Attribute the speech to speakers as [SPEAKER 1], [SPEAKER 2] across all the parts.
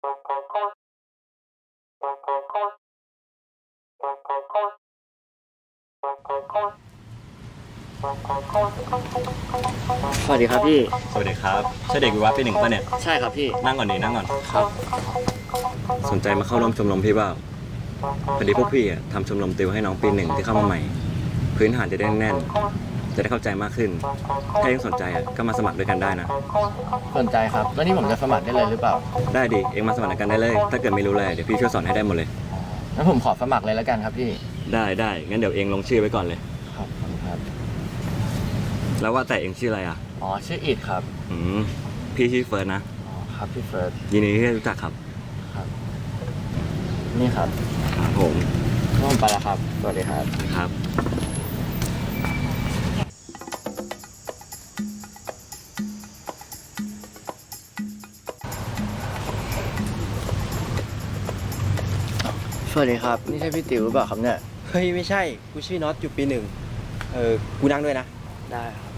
[SPEAKER 1] สวัสดีครับพี่
[SPEAKER 2] สวัสดีครับใช่เด็กวิวัฒน์ปี 1ป่ะเนี่ย
[SPEAKER 1] ใช่ครับพี่
[SPEAKER 2] นั่งก่อนดินั่งก่อน
[SPEAKER 1] ครับ
[SPEAKER 2] สนใจมาเข้าร่วมชมรมพี่เปล่าพอดีพวกพี่ทำชมรมติวให้น้องปี 1ที่เข้ามาใหม่พื้นฐานจะได้แน่นจะได้เข้าใจมากขึ้นถ้ายังสนใจก็มาสมัครด้วยกันได้นะ
[SPEAKER 1] สนใจครับแล้วนี่ผมจะสมัครได้เลยหรือเปล่า
[SPEAKER 2] ได้ดิเองมาสมัครกันได้เลยถ้าเกิดไม่รู้เลยเดี๋ยวพี่ช่วยสอนให้ได้หมดเลย
[SPEAKER 1] งั้นผมขอสมัครเลยแล้วกันครับพี่
[SPEAKER 2] ได้งั้นเดี๋ยวเองลงชื่อไว้ก่อนเลย
[SPEAKER 1] ครับ
[SPEAKER 2] แล้วว่าแต่เองชื่ออะไร
[SPEAKER 1] อ๋อชื่ออิดครับ
[SPEAKER 2] พี่ชื่อเฟิร์สนะ
[SPEAKER 1] ครับพี่เฟิร์ส
[SPEAKER 2] ยินดีที่ได้รู้จักครับ
[SPEAKER 1] นี่ครับ
[SPEAKER 2] ครับผม
[SPEAKER 1] ไปแล้วครับสวัสดีครับ
[SPEAKER 2] ครับ
[SPEAKER 1] สวัสดีครับนี่ใช่พี่ติ๋วหรือเปล่าครับเนี่ย
[SPEAKER 3] เฮ้ยไม่ใช่กูชื่อน็อตอยู่ปี 1กูนั่งด้วยนะ
[SPEAKER 1] ได้ครับ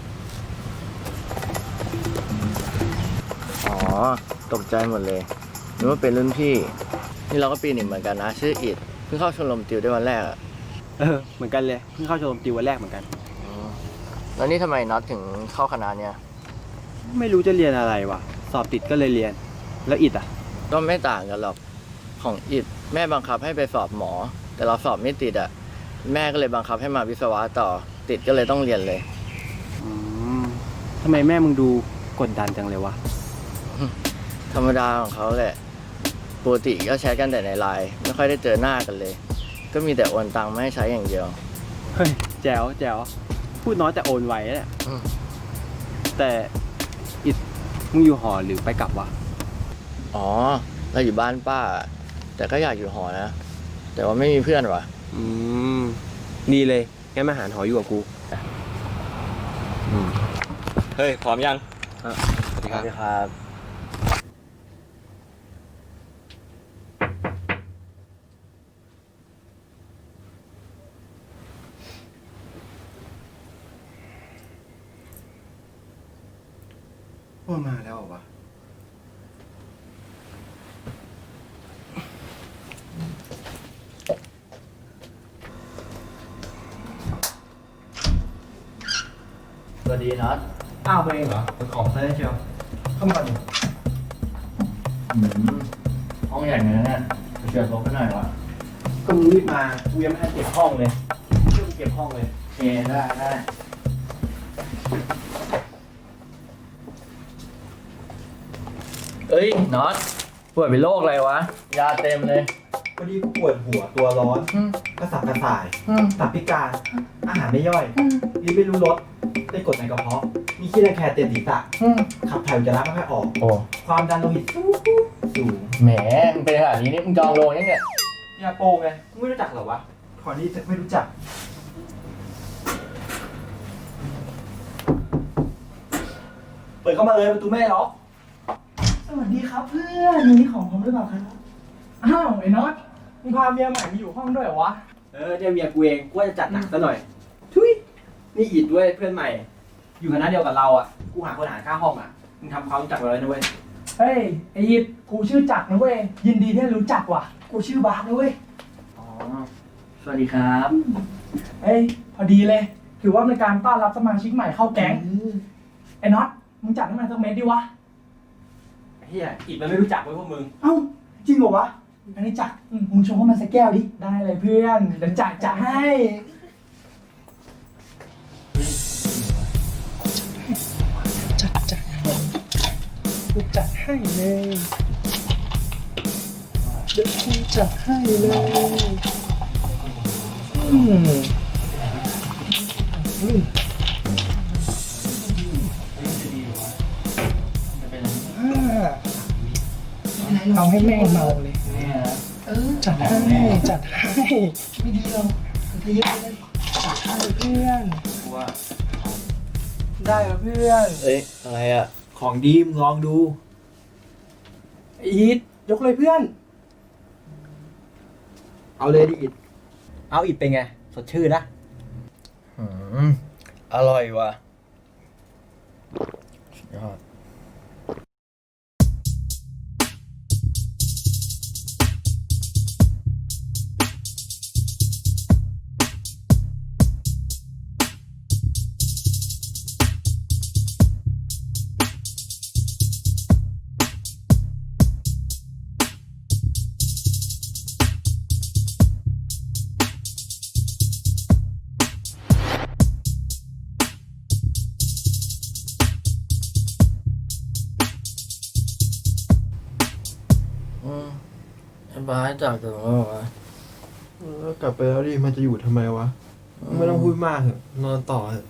[SPEAKER 1] อ๋อตกใจหมดเลยนึกว่าเป็นรุ่นพี่นี่เราก็ปี 1เหมือนกันนะชื่ออิดเพิ่งเข้าชมรมติวได้วันแรก
[SPEAKER 3] เหมือนกันเลยเพิ่งเข้าชมรมติววันแรกเหมือนกัน
[SPEAKER 1] แล้วนี่ทำไมน็อตถึงเข้าคณะเนี่ย
[SPEAKER 3] ไม่รู้จะเรียนอะไรวะสอบติดก็เลยเรียนแล้วอิด
[SPEAKER 1] ก็ไม่ต่างกันหรอกของอิดแม่บังคับให้ไปสอบหมอแต่เราสอบไม่ติดแม่ก็เลยบังคับให้มาวิศวะต่อติดก็เลยต้องเรียนเลย
[SPEAKER 3] ทำไมแม่มึงดูกดดันจังเลยวะ
[SPEAKER 1] ธรรมดาของเขาแหละปกติก็แชทกันแต่ในไลน์ไม่ค่อยได้เจอหน้ากันเลยก็มีแต่โอนตังค์มาให้ใช้อย่างเดียว
[SPEAKER 3] เฮ้ยแจ๋วพูดน้อยแต่โอนไวแหละแต่อิดมึงอยู่หอหรือไปกลับวะ
[SPEAKER 1] อ๋อเราอยู่บ้านป้าแต่ก็อยากอยู่หอนะแต่ว่าไม่มีเพื่อนวะ
[SPEAKER 3] ดีเลยงั้นมาหาหออยู่กับกู
[SPEAKER 2] เฮ้ยพร้อมยัง
[SPEAKER 1] สวัสดีครับ
[SPEAKER 3] ว่ามาแล้ววะ
[SPEAKER 1] สวัสดีน็อต
[SPEAKER 3] อ้าวไปเองเหรอเป็นของเซ่เชียวเข้ามาดิ
[SPEAKER 1] ห้องใหญ่เหมือนกันเนี่ยเชิญลบไปหน่อยวะ
[SPEAKER 3] ก็มึงรีบมากูยังไม่ทันเก็บห้องเลยช่วยกูเก็บห้องเลย
[SPEAKER 1] โอเคได้เอ้ยน็อตป่วยเป็นโรคอะไรวะยาเต็มเลย
[SPEAKER 3] พอดีกูปวดหัวตัวร้อนกระสับกระส่ายตับพิการอาหารไม่ย่อยลิ้นไม่รู้รสได้กรดในกระเพาะมีขี้ระแคะเต็มศีรษะขับถ่ายอุจจาระไม่ค่อยออกความดันโลหิตสูง
[SPEAKER 1] แหมมึงเป็นขนาดนี้นี่มึงจองโรงยังเนี่ย
[SPEAKER 3] ยาโปไงมึงไม่รู้จักเหรอวะขอนี่ไม่รู้จักเปิดเข้ามาเลยประตูไม่ได้ล็อก
[SPEAKER 4] สวัสดีครับเพื่อนมีของผมหรือเปล่าครับอ้าวไอ้น็อตมึงพาเมียใหม่มาอยู่ห้องด้วยเหรอวะ
[SPEAKER 3] เนี่ยเมียกูเองกูว่าจะจัดหนักซะหน่อยทุยนี่อิดด้วยเพื่อนใหม่อยู่คณะเดียวกับเรากูหาคนหารค่าห้องมึงทำความรู้จักเราเลยนะเว้ย
[SPEAKER 4] เฮ้ยไอ้ยิปกูชื่อจักรนะเว้ยยินดีที่ได้รู้จักว่ะกูชื่อบาสนะเว้ย
[SPEAKER 1] อ๋อสวัสดีครับ
[SPEAKER 4] เฮ้ยพอดีเลยถือว่าเป็นการต้อนรับสมาชิกใหม่เข้าแก๊งไอ้น็อตมึงจัดให้มันสักเม็ดดิวะ
[SPEAKER 3] เฮียอิดมันไม่รู้จักเว้ยพวกมึง
[SPEAKER 4] เอ้าจริงเหรอวะอันนี้จักมึงชงให้มันสักแก้วดิได้เลยเพื่อนเดี๋ยวจัดให้จัดให้เลยเดี๋ยวกูจัดให้เลยเอาให้แม่เมาเลยจัดให้ไม่ดีหรอกจะเยอะเลยจัดให้เพื่อนได้แล้วเพื่อน
[SPEAKER 1] อะไร
[SPEAKER 3] ของดีมลองดู
[SPEAKER 4] อีทยกเลยเพื่อน
[SPEAKER 3] เอาเลยดิอิดเอาอิดเป็นไงสดชื่นนะ
[SPEAKER 1] อร่อยว่ะยอดไอ้บ้าสจากถึงแล้วเหรอวะ
[SPEAKER 5] กลับไปแล้วดิ มันจะอยู่ทำไมวะ ไม่ต้องพูดมากเถอะ นอนต่อเถอะ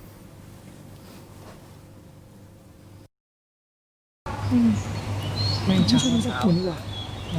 [SPEAKER 4] ไม่ชอบมันจะกินดีกว่า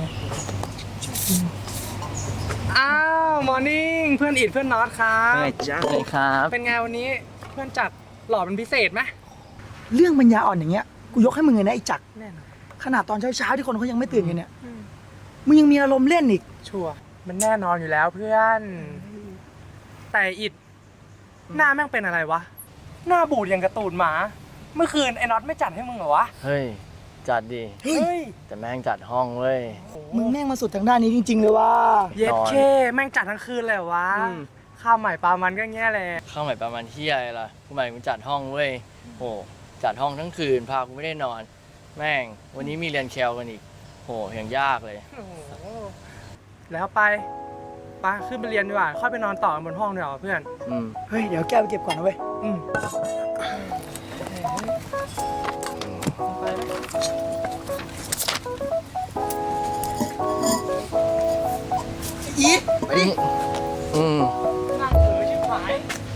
[SPEAKER 4] อ้าวมอร์นิ่งเพื่อนอิดเพื่อนน็อตครับ
[SPEAKER 1] จ้าเลยครับ
[SPEAKER 4] เป็นไงวันนี้เพื่อนจัดหล่อเป็นพิเศษไหม
[SPEAKER 6] เรื่องปัญญาอ่อนอย่างเงี้ยกูยกให้มึงเลยนะไอ้จักร
[SPEAKER 4] แน่นอน
[SPEAKER 6] ขนาดตอนเช้าๆที่คนเขายังไม่ตื่นกันเนี่ยมึงยังมีอารมณ์เล่นอีก
[SPEAKER 4] ชัวร์มันแน่นอนอยู่แล้วเพื่อน แต่อิดหน้าแม่งเป็นอะไรวะ หน้าบูดอย่างกระตูดหมา เมื่อคืนไอ้น็อตไม่จัดให้มึงเหรอวะ
[SPEAKER 1] เฮ้ย จัดดิ
[SPEAKER 4] เฮ้ย
[SPEAKER 1] แต่แม่งจัดห้องเว้ย
[SPEAKER 6] มึงแม่งมาสุดทางด้านนี้จริงๆเลยว่า
[SPEAKER 4] เย็ดเคแม่งจัดทั้งคืนเลยเหรอวะ
[SPEAKER 1] อืม
[SPEAKER 4] ข้าวใหม่ปลามันก็แง่แหละ
[SPEAKER 1] เข้าใหม่ประมาณเที่ยอะไรล่ะกูหมายกูจัดห้องเว้ยโหจัดห้องทั้งคืนพากูไม่ได้นอน แม่ง วันนี้มีเรียนแคลกันอีกโหยังยากเลย
[SPEAKER 4] โอ้โหแล้วไปขึ้นไปเรียนดีกว่าค่อยไปนอนต่อกันบนห้องดีกว่าเพื่อน
[SPEAKER 1] อืม
[SPEAKER 6] เฮ้ยเดี๋ยวแก้วไปเก็บก่อนนะเว้ย
[SPEAKER 4] อืมไปไหม
[SPEAKER 6] อีทไปดิ
[SPEAKER 1] อืม
[SPEAKER 4] นั่งเออชิบหาย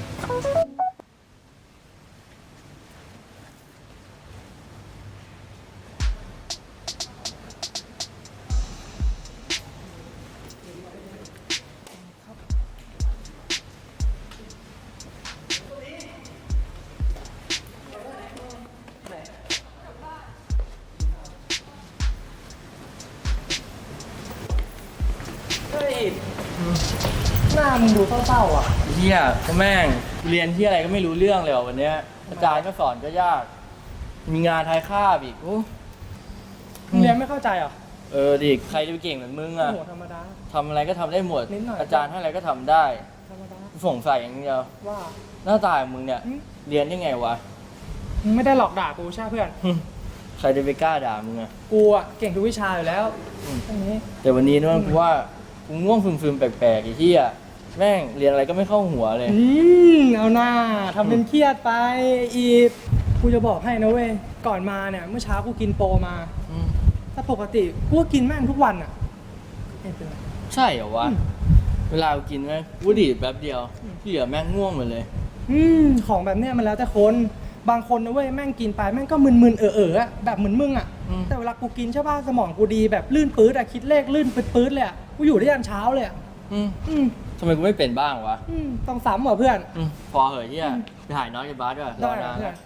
[SPEAKER 4] เฮ้ยหน้ามึงดูเศร้าๆอ่ะ
[SPEAKER 1] เที่ยก็แม่งเรียนที่อะไรก็ไม่รู้เรื่องเลยว่ะวันเนี้ยอาจารย์ก็สอนก็ยาก มีงานทายคาบอีกอู้
[SPEAKER 4] มึงเรียนไม่เข้าใจเหรอ
[SPEAKER 1] ดิใครจะไปเก่งเหมือนมึง
[SPEAKER 4] โอ้
[SPEAKER 1] อ่ะ
[SPEAKER 4] โหธรรมดา
[SPEAKER 1] ทำอะไรก็ทำได้หมด
[SPEAKER 4] นิดหน่อย
[SPEAKER 1] อาจารย์ให้อะไรก็ทำได้
[SPEAKER 4] ธรรมดา
[SPEAKER 1] สงสัยอย่างเดียว
[SPEAKER 4] ว่า
[SPEAKER 1] หน้าตาของมึงเนี่ย
[SPEAKER 4] อืม
[SPEAKER 1] เรียนได้ไงวะ
[SPEAKER 4] มึงไม่ได้หลอกด่ากูใช่เพื่อน
[SPEAKER 1] ใครจะไปกล้าด่ามึงอะ
[SPEAKER 4] กูอ่ะเก่งทุกวิชาอยู่แล้วตรงนี้
[SPEAKER 1] แต่วันนี้นะกูว่ากูง่วงซึมๆแปลกๆไอ้ที่อ่ะแม่งเรียนอะไรก็ไม่เข้าหัวเลย
[SPEAKER 4] เอาหน้าทำเป็นเครียดไปอีกกูจะบอกให้นะเว้ย ก่อนมาเนี่ยเมื่อเช้ากูกินโปรมา
[SPEAKER 1] อืม
[SPEAKER 4] ถ้าปกติกูก็กินแม่งทุกวันอ่ะไม่เป็นไร
[SPEAKER 1] ใช่เหรอวะ เวลากูกินแม่งกูดีดแป๊บเดียวที่เหลือแม่งง่วงหมดเลย
[SPEAKER 4] ของแบบเนี้ยมันแล้วแต่คน บางคนนะเว้ยแม่งกินไปแม่งก็มึนๆอะแบบเหมือนมึงอ่ะ
[SPEAKER 1] อืม
[SPEAKER 4] แต่เวลากูกินใช่ป่ะสมองกูดีแบบลื่นปื๊ดอะคิดเลขลื่นปื๊ดๆเลยอะกูอยู่ได้ยันเช้าเลยอะ
[SPEAKER 1] อืม
[SPEAKER 4] อืม
[SPEAKER 1] ทำไมกูไม่เป็นบ้างวะ
[SPEAKER 4] ต้องซ้ำเหรอเพื่อน
[SPEAKER 1] พอเหอะที่อ่ะไปถ่ายน้อยกับบาสด้วยร
[SPEAKER 4] ได้
[SPEAKER 1] อนาน
[SPEAKER 4] เพื่อ
[SPEAKER 1] แล้
[SPEAKER 4] น
[SPEAKER 1] ว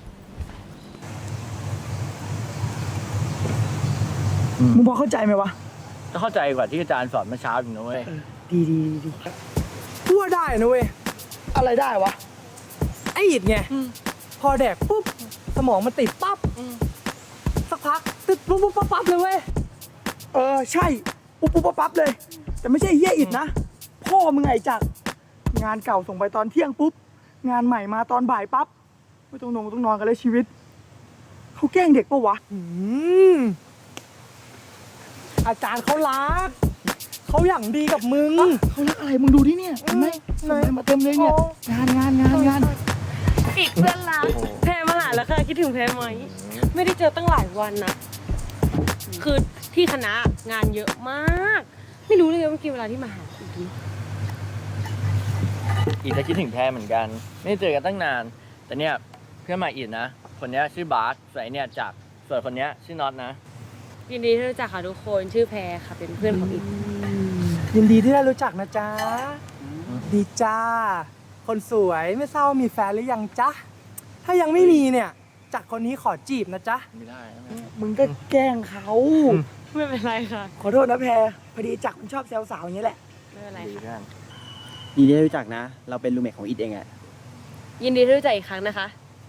[SPEAKER 6] มึงพอเข้าใจไหมวะ
[SPEAKER 1] จะเข้าใจกว่าที่อาจารย์สอนเมื่อเช้าอีกนะเว้ย
[SPEAKER 6] ดีดีดี
[SPEAKER 4] พูดได้นะเว้ย
[SPEAKER 6] อะไรได้วะ
[SPEAKER 4] ไอ้อิดไงพอแดกปุ๊บสมองมันติดปั๊บสักพักติดปุ๊บปุ๊บปั๊บปั๊บเลยเว้ย
[SPEAKER 6] ใช่ปุ๊บปุ๊บปั๊บปั๊บเลย แต่ไม่ใช่เฮียอิดนะ พ่อมึงไงจักรงานเก่าส่งไปตอนเที่ยงปุ๊บ งานใหม่มาตอนบ่ายปั๊บ ไม่ต้องนอนกันเลยชีวิต เขาแกล้งเด็กปะวะ
[SPEAKER 4] อืมอาจารย์เขารักเขาอย่างดีกับมึง
[SPEAKER 6] เขารักอะไรมึงดูที่เนี่ยเห็นไหม
[SPEAKER 4] ไหน
[SPEAKER 6] ส่งมาเต็มเลยเนี่ย
[SPEAKER 4] โอ้
[SPEAKER 6] งาน
[SPEAKER 7] อีกเพื่อนรักแพรมาหาแล้วค่ะคิดถึงแพรไหมไม่ได้เจอตั้งหลายวันนะคือที่คณะงานเยอะมาก ไม่รู้เลยว่ากี่เวลาที่มาหาอีกที
[SPEAKER 1] อีกจะคิดถึงแพรเหมือนกัน ไม่ได้เจอกันตั้งนาน แต่เนี่ยเพื่อนใหม่อีกนะ คนเนี้ยชื่อบาสส่วนไอ้เนี่ยจากส่วนคนเนี้ยชื่อน็อตนะ
[SPEAKER 7] ยินดีที่รู้จักค่ะทุกคนชื่อแพรค่ะเป็นเพื่อนของอีก
[SPEAKER 4] ยินดีที่ได้รู้จักนะจ๊ะ ดีจ้า คนสวยไม่ทราบว่ามีแฟนหรือยังจ๊ะ ถ้ายังไม่มีเนี่ย จากคนนี้ขอจีบนะจ๊ะ
[SPEAKER 1] ไม่ได้นะ
[SPEAKER 6] มึงก็แกล้งเขา
[SPEAKER 7] ไม่เป็นไรค่ะ
[SPEAKER 6] ขอโทษนะแพรพอดีจักรมันชอบแซวสาวอย่างนี้แหละ
[SPEAKER 7] ไม่เป็นไร
[SPEAKER 1] ดี
[SPEAKER 7] ค่ะ
[SPEAKER 1] เพื่อน
[SPEAKER 8] ยินดีที่ได้รู้จักนะ เราเป็นรูเมทของอิดเองอะ
[SPEAKER 7] ยินดีที่รู้จักอีกครั้งนะคะ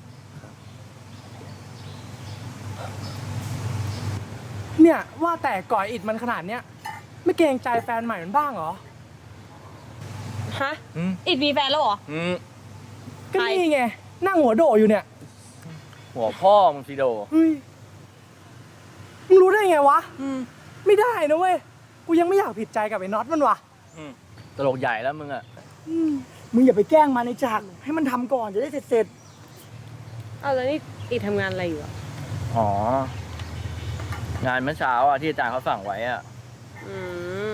[SPEAKER 4] เนี่ยว่าแต่ก่อยอิดมันขนาดเนี้ยไม่เกรงใจแฟนใหม่มันบ้างเหรอ
[SPEAKER 7] ฮะอีกมีแฟนแล้วเหรอ
[SPEAKER 4] ก็
[SPEAKER 7] ใคร
[SPEAKER 4] นี่ไงนั่งหัวโดอยู่เนี่ย
[SPEAKER 1] หัวพ่อมึงสิโด
[SPEAKER 4] เฮ้ยมึงรู้ได้ไงวะไม่ได้นะเว้ยกูยังไม่อยากผิดใจกับไอ้น็อตมันว่ะ
[SPEAKER 1] ตลกใหญ่แล้วมึงอ่ะ
[SPEAKER 6] มึงอย่าไปแกล้งมันในจักรให้มันทำก่อนจะได้เสร็จ
[SPEAKER 7] เอาแล้วนี่อีกทำงานอะไรอยู่อะ
[SPEAKER 1] อ๋องานเมื่อเช้าอ่ะที่อาจารย์เขาสั่งไว้อ่ะ
[SPEAKER 7] อืม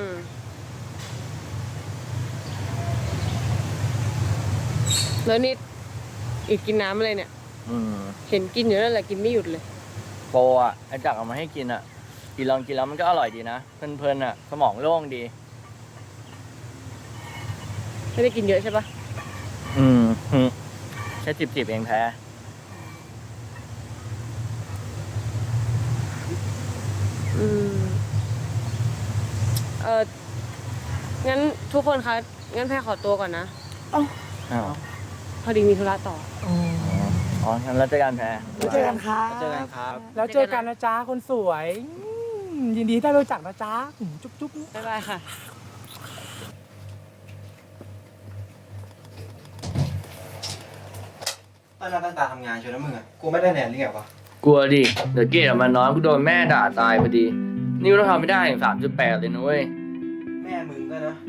[SPEAKER 7] แล้วนี่อิดกินน้ำอะไรเนี่ย
[SPEAKER 1] อืม
[SPEAKER 7] เห็นกินอยู่นั่นแหละกินไม่หยุดเลย
[SPEAKER 1] โปรอ่ะอาจารย์เอามาให้กินอ่ะกินลองกินแล้วมันก็อร่อยดีนะเพลินๆอ่ะสมองโล่งดี
[SPEAKER 7] ไม่ได้กินเยอะใช่ปะ
[SPEAKER 1] อืมแค่จิบๆเองแพ้
[SPEAKER 7] อืมงั้นทุกคนคะงั้นแพรขอตัวก่อนนะ
[SPEAKER 1] อ้าว
[SPEAKER 7] พอดีมีธุระต่อ
[SPEAKER 1] อ๋องั้นแล้วเจอกันแพ้
[SPEAKER 6] แล้วเจอกันครับ
[SPEAKER 8] เจอกันครับ
[SPEAKER 4] แล้วเจอกันนะจ๊ะคนสวยยินดีที่ได้รู้จักนะจ๊ะจุ๊บจุ๊บ
[SPEAKER 7] บ๊ายบายค่ะ
[SPEAKER 3] ตั้งหน้าตั้งตาทำงานเชียวนะมึงอ่ะ กูไม่ได้แนนหรือไงวะ
[SPEAKER 1] กลัวดิเดี๋ยวเกรดมันน้อยกูโดนแม่ด่าตายพอดี นี่เราทำไม่ได้ถึง3.8เลยนะเว้ย
[SPEAKER 3] แม่มึงก็นะ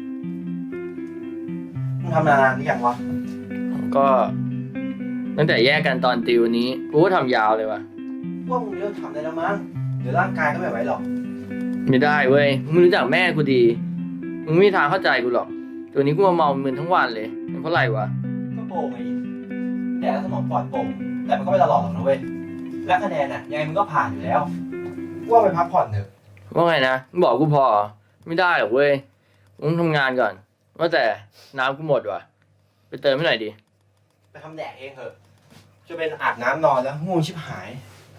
[SPEAKER 3] มึงทำนานหรือยังวะ
[SPEAKER 1] ก็ตั้งแต่แยกกันตอนติวนี้กูก็ทำยาวเลยว่ะ
[SPEAKER 3] ว่ามึงเลิกทำได้แล้วมั้ง เดี๋ยวร่างกายก็ไม่ไหวหรอก
[SPEAKER 1] ไม่ได้เว้ยมึงรู้จักแม่กูดีมึงไม่มีทางเข้าใจกูหรอกตัวนี้กูมาเมามึนทั้งวันเลยเป็นเพราะอะไรวะ
[SPEAKER 3] ก็โป่งไงแดกแล้วสมองปลอดโปร่งแต่มันก็ไม่ตลอดหรอกนะเว้ย และคะแนนอ่ะยังไงมึงก็ผ่านอยู่แล้วกูว่าไปพักผ่อนเถอะ
[SPEAKER 1] ว่าไงนะมึงบอกกูพอไม่ได้หรอกเว้ยมึงทำงานก่อน ว่าแต่น้ำกูหมดว่ะไปเติมให้หน่อยดิ
[SPEAKER 3] ไปทำแดกเองเถอะ จะเป็นอาบน้ำนอนแล้วง่วงชิบหาย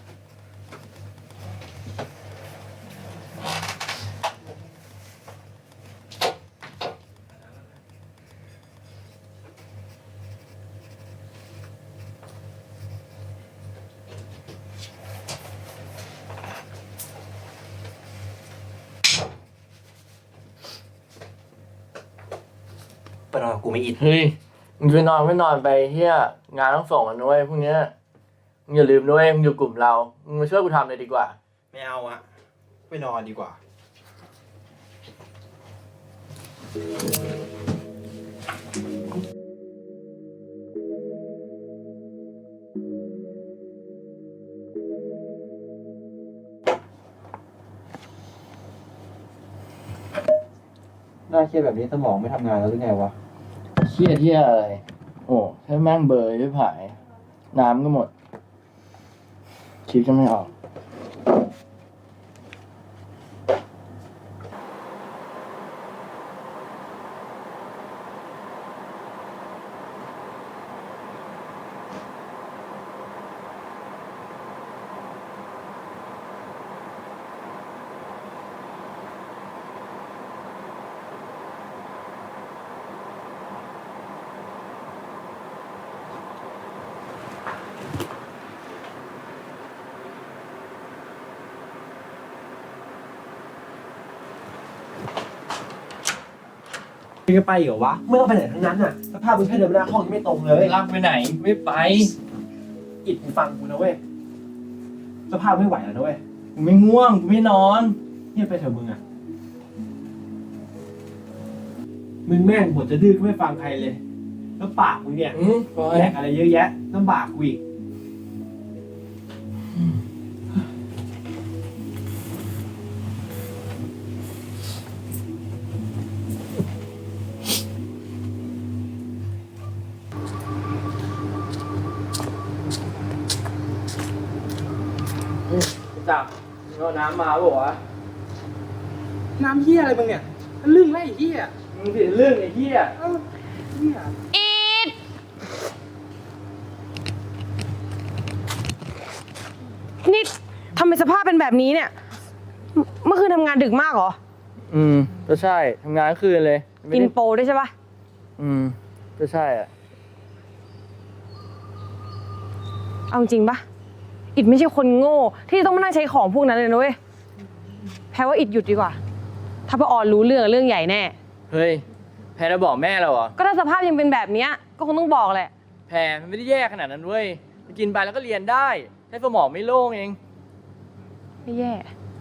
[SPEAKER 3] ไปนอนกับกูไม่อิด
[SPEAKER 1] เฮ้ยมึงจะนอนไม่นอนไปเฮียงานต้องส่งกันด้วยพรุ่งเนี้ยมึงอย่าลืมด้วยมึงอยู่กลุ่มเรามึงมาช่วยกูทำเลยดีกว่า
[SPEAKER 3] ไม่เอาอะไปนอนดีกว่า
[SPEAKER 8] น่าเครียดแบบนี้สมองไม่ทำงานแล้วหรือไงวะ
[SPEAKER 1] เครียดเฮียอะไรโอ้ถ้าแม่งเบยไม่ผาย น้ำก็หมด คิดก็ไม่ออก
[SPEAKER 3] มึงจะไปเหรอวะไม่ต้องไปไหนทั้งนั้นน่ะสภาพมึงแค่เดินไปหน้าห้องยังไม่ตรงเลย
[SPEAKER 1] ลากไปไหนไม่ไป
[SPEAKER 3] อิดมึงฟังกูนะเว้ยสภาพไม่ไหวแล้วนะเว้ย
[SPEAKER 1] กูไม่ง่วงกูไม่นอน
[SPEAKER 3] เงียบไปเถอะมึงอะมึงแม่งบทจะดื้อก็ไม่ฟังใครเลย แล้วปากมึงเนี่ย
[SPEAKER 1] ปล่อย
[SPEAKER 3] แดกอะไรเยอะแยะลำบากกูอีก
[SPEAKER 1] จับเอาน้ำมาบอกวะ
[SPEAKER 4] น้ำเฮียอะไรมึงเนี่ยลึ่งไรไอ้เฮีย
[SPEAKER 1] มึงผิดเรื่องไอ้เหี้ย
[SPEAKER 4] เฮีย
[SPEAKER 7] อีดนี่ทำไมสภาพเป็นแบบนี้เนี่ย เมื่อคืนทำงานดึกมากเหรอ
[SPEAKER 1] ก็ใช่ทำงานทั้งคืนเลยไม่
[SPEAKER 7] กิน
[SPEAKER 1] ได้
[SPEAKER 7] โปรด้วยใช่ปะ
[SPEAKER 1] ก็ใช่อ่ะ
[SPEAKER 7] เอาจริงปะอิดไม่ใช่คนโง่ที่ต้องมานั่งใช้ของพวกนั้นเลยนะเว้ย แพ้ว่าอิดหยุดดีกว่า ถ้าพอออนรู้เรื่องใหญ่แน่
[SPEAKER 1] เฮ้ยแพรจะบอกแม่เราเหรอ
[SPEAKER 7] ก็ถ้าสภาพยังเป็นแบบเนี้ยก็คงต้องบอกแหละ
[SPEAKER 1] แพรมันไม่ได้แย่ขนาดนั้นเว้ยกินไปแล้วก็เรียนได้แค่สมองไม่โล่งเอง
[SPEAKER 7] ไม่แย่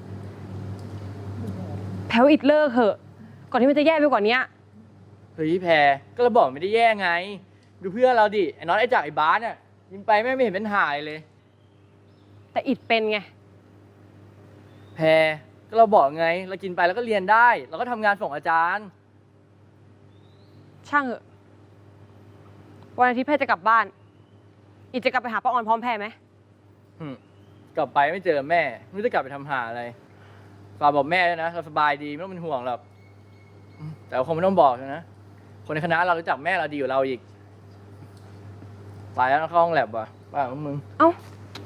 [SPEAKER 7] แพ้ว่าอิดเลิกเถอะ ก่อนที่มันจะแย่ไปกว่านี้
[SPEAKER 1] เฮ้ยแพรก็เราบอกไม่ได้แย่ไง ดูเพื่อนเราดิไอ้น้องไอ้จากไอ้บาสเนี่ยกินไปแม่งไม่เห็นเป็นหายเลย
[SPEAKER 7] แต่อิดเป็นไง
[SPEAKER 1] แพแพรก็เราบอกไง เรากินไปแล้วก็เรียนได้ เราก็ทำงานส่งอาจารย์
[SPEAKER 7] ช่างเถอะวันอาทิตย์แพรจะกลับบ้าน อีกจะกลับไปหาป้าออนพร้อมแพรไหม
[SPEAKER 1] กลับไปไม่เจอแม่ ไม่รู้จะกลับไปทำหาอะไรฝากบอกแม่ด้วยนะ เราสบายดีไม่ต้องเป็นห่วงหรอกแต่คงไม่ต้องบอกนะ คนในคณะเรารู้จักแม่เราดีกว่าเราอีกไปแล้วเข้าห้องแลบว่ะป้าของมึง
[SPEAKER 7] เอ้า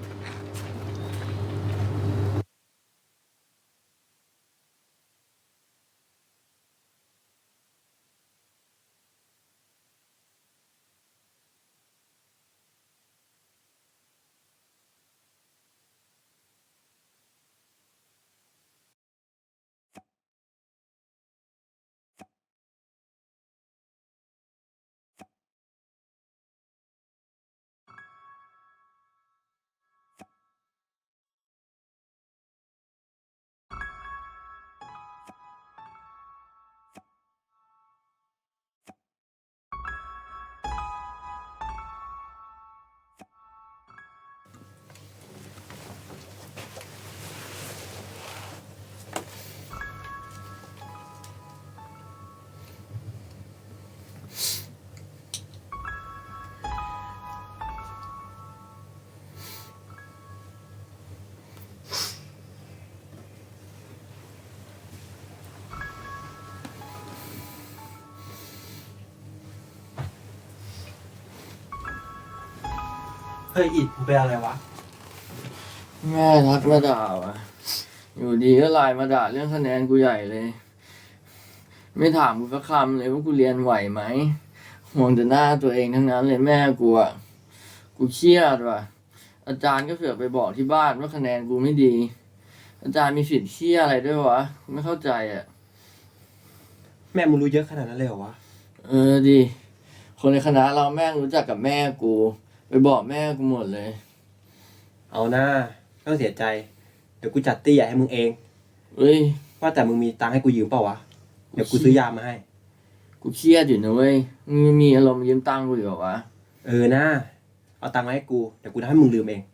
[SPEAKER 3] เฮ้ยอิดมึงเป็นอะไรวะ
[SPEAKER 1] แม่ทักมาด่าว่ะ อยู่ดีก็ไลน์มาด่าเรื่องคะแนนกูใหญ่เลย ไม่ถามกูสักคำเลยว่ากูเรียนไหวไหมห่วงแต่หน้าตัวเองทั้งนั้นเลยแม่กูอ่ะ กูเครียดว่ะ อาจารย์ก็เสือกไปบอกที่บ้านว่าคะแนนกูไม่ดี อาจารย์มีสิทธิ์เครียดอะไรด้วยวะกูไม่เข้าใจอ่ะ
[SPEAKER 3] แม่มึงรู้เยอะขนาดนั้นเลยเหรอวะ
[SPEAKER 1] ดี คนในคณะเราแม่งรู้จักกับแม่กู ไปบอกแม่กูหมดเลย
[SPEAKER 3] เอาหน้าไม่ต้องเสียใจ เดี๋ยวกูจัดตี้ใหญ่ให้มึงเอง
[SPEAKER 1] เฮ้ย
[SPEAKER 3] ว่าแต่มึงมีตังค์ให้กูยืมเปล่าวะ เดี๋ยวกูซื้อยามาให้
[SPEAKER 1] กูเครียดอยู่นะเว้ยมึงมีอารมณ์ยืมตังค์กูอยู่เหรอวะ
[SPEAKER 3] เออนะเอาตังค์มาให้กู เดี๋ยวกูทำให้มึงลืมเอง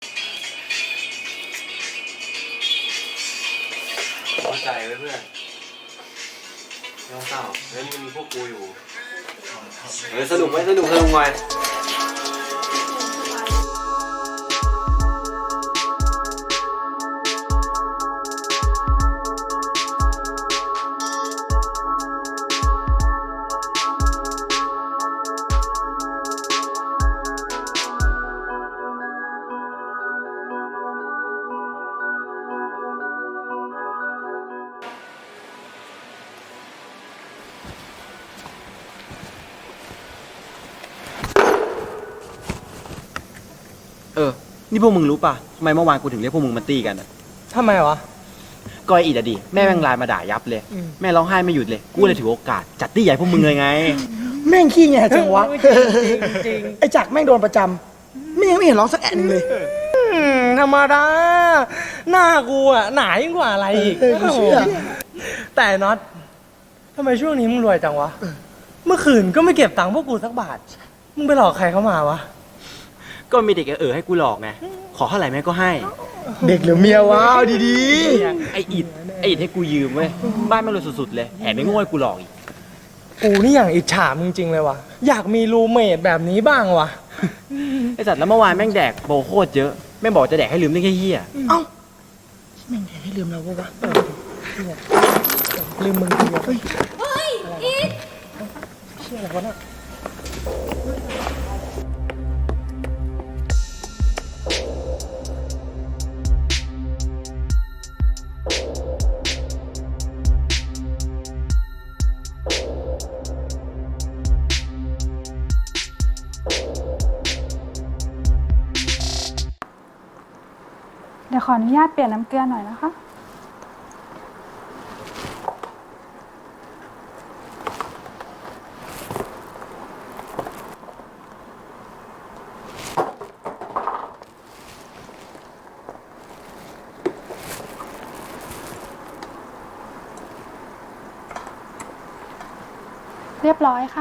[SPEAKER 2] เข้าใจไว้เพื่อนไม่ต้องเศร้าเฮ้ยมันมีพวกกูอยู่สนุกไหมสนุกไหม
[SPEAKER 9] นี่พวกมึงรู้ป่ะทำไมเมื่อวานกูถึงเรียกพวกมึงมาตีกันอ่ะ
[SPEAKER 4] ทำไมวะ
[SPEAKER 9] ก็ไอ้อิดอะดิแม่แม่งไลน์มาด่ายับเลย แม่ร้องไห้ไม่หยุดเลย กูเลยถือโอกาสจัดตี้ใหญ่พวกมึงเลยไง
[SPEAKER 6] แม่งขี้แงจังวะ
[SPEAKER 4] จริง
[SPEAKER 6] ไอ้จักรแม่งโดนประจำไม่เห็นร้องสักแอะหนึงเลย
[SPEAKER 4] ธรรมดา หน้ากูอ่ะหนายิ่งกว่าอะไรอีก
[SPEAKER 6] กูเชื่อ
[SPEAKER 4] แต่น็อตทำไมช่วงนี้มึงรวยจังวะ เมื่อคืนก็ไม่เก็บตังค์พวกกูสักบาท มึงไปหลอกใครเข้ามาวะ
[SPEAKER 9] ก็มีเด็กให้กูหลอกไง ขอเท่าไหร่แม่ก็ให้
[SPEAKER 6] เด็กหรือเมียวะเอาดี
[SPEAKER 9] ไอ้อิดให้กูยืมเว้ย บ้านแม่งรวยสุดๆเลยแถมไม่โง่ให้กูหลอกอีก
[SPEAKER 4] กูนี่อย่างอิจฉามึงจริงเลยวะอยากมีรูเมทแบบนี้บ้างวะ
[SPEAKER 9] ไอ้สัตว์แล้วเมื่อวานแม่งแดกโบโคตรเยอะ แม่งบอกจะแดกให้ลืมได้แค่เหี้ย
[SPEAKER 6] ๆ เอ้าแม่งให้ลืมเราปะวะลืมมึงทีเดียวเฮ้ยอีกเชื่ออะไรวะน่ะ
[SPEAKER 10] เดี๋ยวขออนุญาตเปลี่ยนน้ำเกลือหน่อยนะคะ เรียบร้อยค่ะ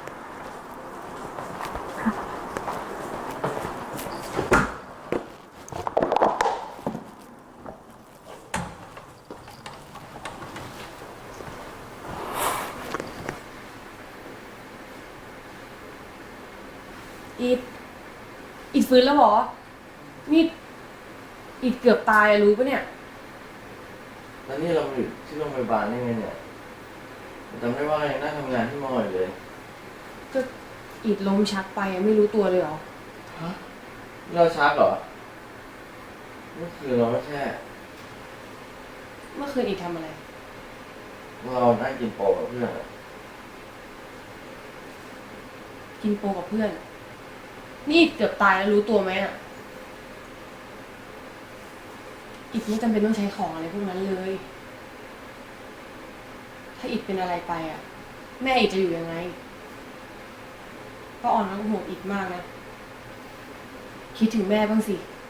[SPEAKER 4] อ
[SPEAKER 7] ดฟื้นแล้วเหรอนี่อิดเกือบตายอะรู้ปะเนี่ย
[SPEAKER 1] แล้วนี่เราอยู่ที่โรงพยาบาลได้ไงเนี่ยจำได้ว่ายังนั่งทำงานที่มออยู่เลย
[SPEAKER 7] ก็อิดล้มชักไปอะไม่รู้ตัวเลยเหรอ
[SPEAKER 1] ฮะเราชักเหรอเมื่อคืนเราไม่แค่
[SPEAKER 7] เมื่อคืนอิดทำอะไร
[SPEAKER 1] เรานั่งกินโปรกับเพื่อนอะ
[SPEAKER 7] กินโปรกับเพื่อน นี่อิดเกือบตายแล้วรู้ตัวไหมอะอิดไม่จำเป็นต้องใช้ของอะไรพวกนั้นเลย ถ้าอิดเป็นอะไรไปอะแม่อิดจะอยู่ยังไงป้าอ่อนก็ห่วงอิดมากนะ คิดถึงแม่บ้างสิ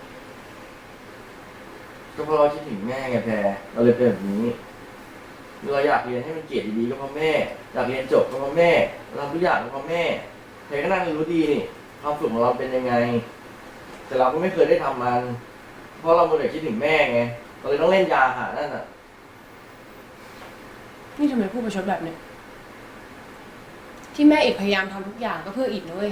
[SPEAKER 1] ก็เพราะเราคิดถึงแม่ไงแพรเราเลยเป็นแบบนี้เราอยากเรียนให้มันเกรดดีๆก็เพราะแม่ อยากเรียนจบก็เพราะแม่เราทำทุกอย่างก็เพราะแม่แพรก็น่าจะรู้ดีนี่ความสุขของเราเป็นยังไง แต่เราก็ไม่เคยได้ทำมัน เพราะเราโมเดลคิดถึงแม่ไงเราเลยต้องเล่นยาหานั่นน่ะ
[SPEAKER 7] นี่ทำไมพูดประชดแบบเนี้ยที่แม่อิดพยายามทำทุกอย่างก็เพื่ออิดนะเว้ย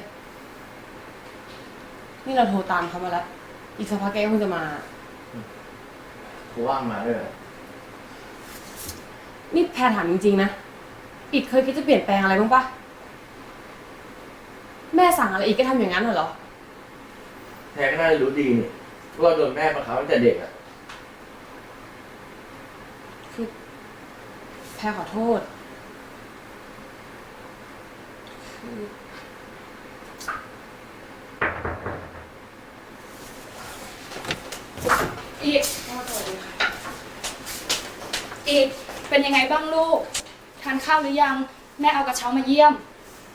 [SPEAKER 7] นี่เราโทรตามเขามาแล้ว อีกสักพักแกก็คงจะมา
[SPEAKER 1] เขาว่างมาด้วยเหรอ
[SPEAKER 7] นี่แพรถามจริงๆนะ อิดเคยคิดจะเปลี่ยนแปลงอะไรบ้างปะแม่สั่งอะไรอิดก็ทำอย่างนั้นเหรอ
[SPEAKER 1] แพรก็น่าจะรู้ดีนี่เพราะเราโดนแม่บังคับตั้งแต่เด็กอ่ะ
[SPEAKER 7] คือแพรขอโทษ
[SPEAKER 11] อีกอีกเป็นยังไงบ้างลูก ทานข้าวหรือยัง แม่เอากระเช้ามาเยี่ยม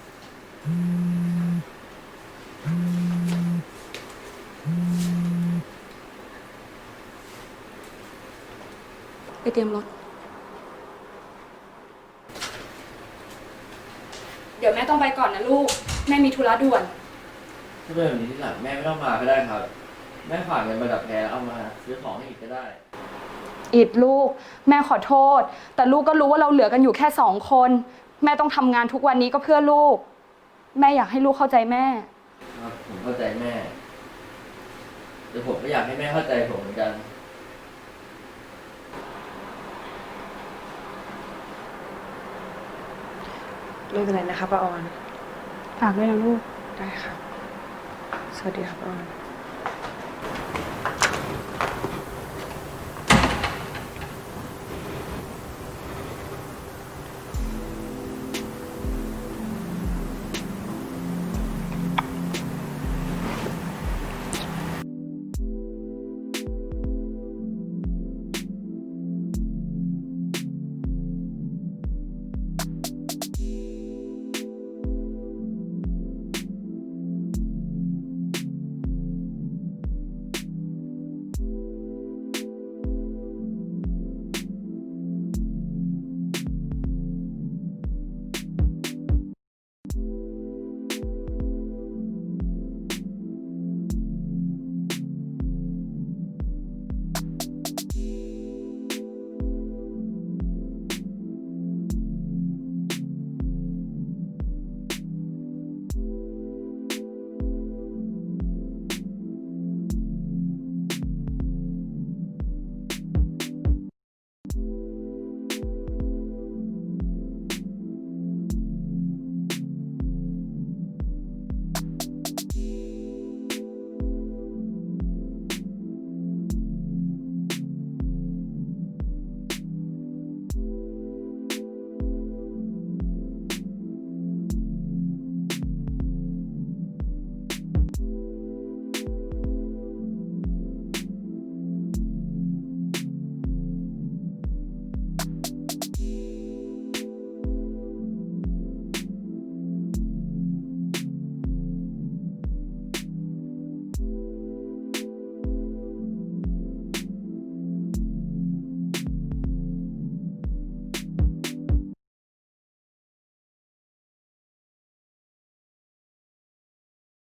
[SPEAKER 11] ไปเตรียมรถ เดี๋ยวแม่ต้องไปก่อนนะลูก แม่มีธุระด่วน
[SPEAKER 1] ถ้าเป็นแบบนี้ที่หลังแม่ไม่ต้องมาก็ได้ครับ แม่ฝากเงินมาดับแพรแล้วเอามาซื้อของให้อีกก็ได้
[SPEAKER 11] อิดลูก แม่ขอโทษ แต่ลูกก็รู้ว่าเราเหลือกันอยู่แค่2 คน แม่ต้องทำงานทุกวันนี้ก็เพื่อลูก แม่อยากให้ลูกเข้าใจแม่
[SPEAKER 1] ครับผมเข้าใจแม่แต่ผมก็อยากให้แม่เข้าใจผมเหมือนกัน
[SPEAKER 7] ไม่เป็นไรนะคะป้าออน
[SPEAKER 10] ฝากด้วยนะลูก
[SPEAKER 7] ได้ค่ะ สวัสดีครับป้าออน